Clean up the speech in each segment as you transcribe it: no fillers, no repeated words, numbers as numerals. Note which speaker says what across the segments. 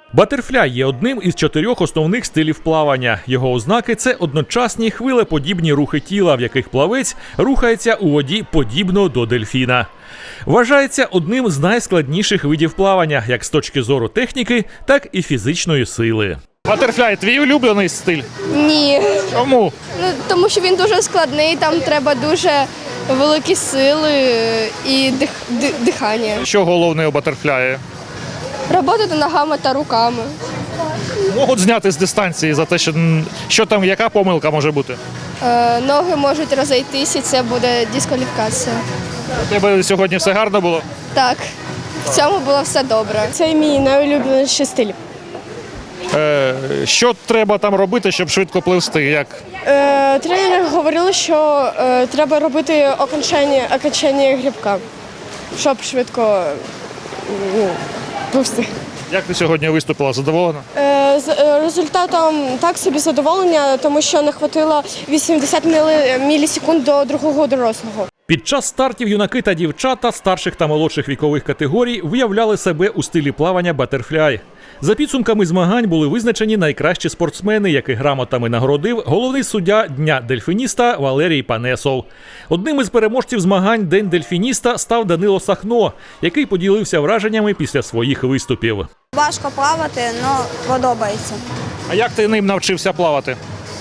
Speaker 1: Батерфляй є одним із 4 основних стилів плавання. Його ознаки – це одночасні хвилеподібні рухи тіла, в яких плавець рухається у воді подібно до дельфіна. Вважається одним з найскладніших видів плавання, як з точки зору техніки, так і фізичної сили.
Speaker 2: Батерфляй – твій улюблений стиль?
Speaker 3: Ні.
Speaker 2: Чому?
Speaker 3: Тому що він дуже складний, там треба дуже великі сили і дихання.
Speaker 2: Що головне у батерфляї?
Speaker 3: Роботати ногами та руками.
Speaker 2: Можуть зняти з дистанції за те, що там, яка помилка може бути?
Speaker 3: Ноги можуть розійтися, і це буде дискваліфікація.
Speaker 2: У тебе сьогодні все гарно було?
Speaker 3: Так, в цьому було все добре.
Speaker 4: Це мій найулюбленіший стиль.
Speaker 2: Що треба там робити, щоб швидко пливсти? Як?
Speaker 4: Тренери говорили, що треба робити окончання грибка, щоб швидко пливсти.
Speaker 2: Як ти сьогодні виступила? Задоволена?
Speaker 4: З результатом так собі задоволення, тому що не хватило 80 мілісекунд до другого дорослого.
Speaker 1: Під час стартів юнаки та дівчата старших та молодших вікових категорій виявляли себе у стилі плавання батерфляй. За підсумками змагань були визначені найкращі спортсмени, яких грамотами нагородив головний суддя Дня дельфініста Валерій Панесов. Одним із переможців змагань День дельфініста став Данило Сахно, який поділився враженнями після своїх виступів.
Speaker 5: Важко плавати, але подобається.
Speaker 2: А як ти ним навчився плавати?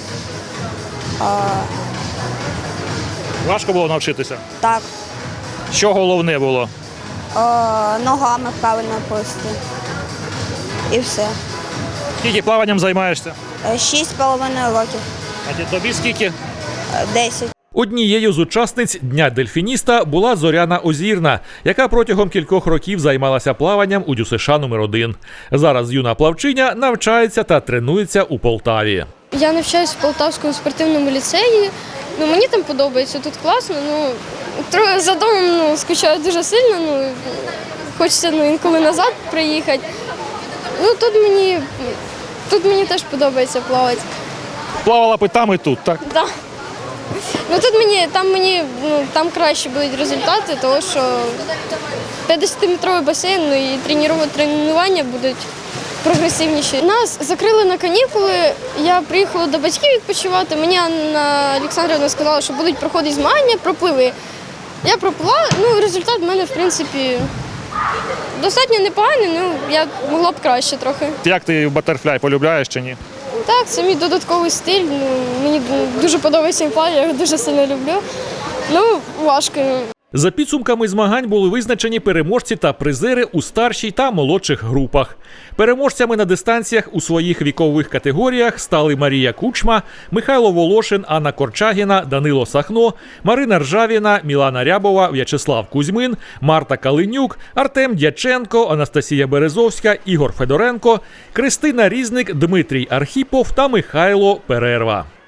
Speaker 2: Важко було навчитися?
Speaker 5: Так,
Speaker 2: Що головне було?
Speaker 5: ногами правильно плисти. І все.
Speaker 2: Скільки плаванням займаєшся?
Speaker 5: 6,5 років.
Speaker 2: А тобі скільки?
Speaker 5: 10.
Speaker 1: Однією з учасниць Дня дельфініста була Зоряна Озірна, яка протягом кількох років займалася плаванням у ДЮСШ номер 1. Зараз юна плавчиня навчається та тренується у Полтаві.
Speaker 3: Я навчаюся в Полтавському спортивному ліцеї. Мені там подобається, тут класно. Трохи за домом скучаю дуже сильно. Хочеться інколи назад приїхати. Тут мені теж подобається плавати.
Speaker 2: Плавала питами тут, так?
Speaker 3: Да. Там краще будуть результати, тому що 50-метровий басейн і тренування будуть прогресивніші. Нас закрили на канікули, я приїхала до батьків відпочивати. Мені Анна Олександрівна сказала, що будуть проходити змагання, пропливи. Я проплила, результат в мене, в принципі, достатньо непоганий, я могла б краще трохи.
Speaker 2: Як ти батерфляй полюбляєш чи ні?
Speaker 3: Так, це мій додатковий стиль. Мені дуже подобається плавання, я його дуже сильно люблю. Важко.
Speaker 1: За підсумками змагань були визначені переможці та призери у старшій та молодших групах. Переможцями на дистанціях у своїх вікових категоріях стали Марія Кучма, Михайло Волошин, Анна Корчагіна, Данило Сахно, Марина Ржавіна, Мілана Рябова, В'ячеслав Кузьмин, Марта Калинюк, Артем Дяченко, Анастасія Березовська, Ігор Федоренко, Кристина Різник, Дмитрій Архіпов та Михайло Перерва.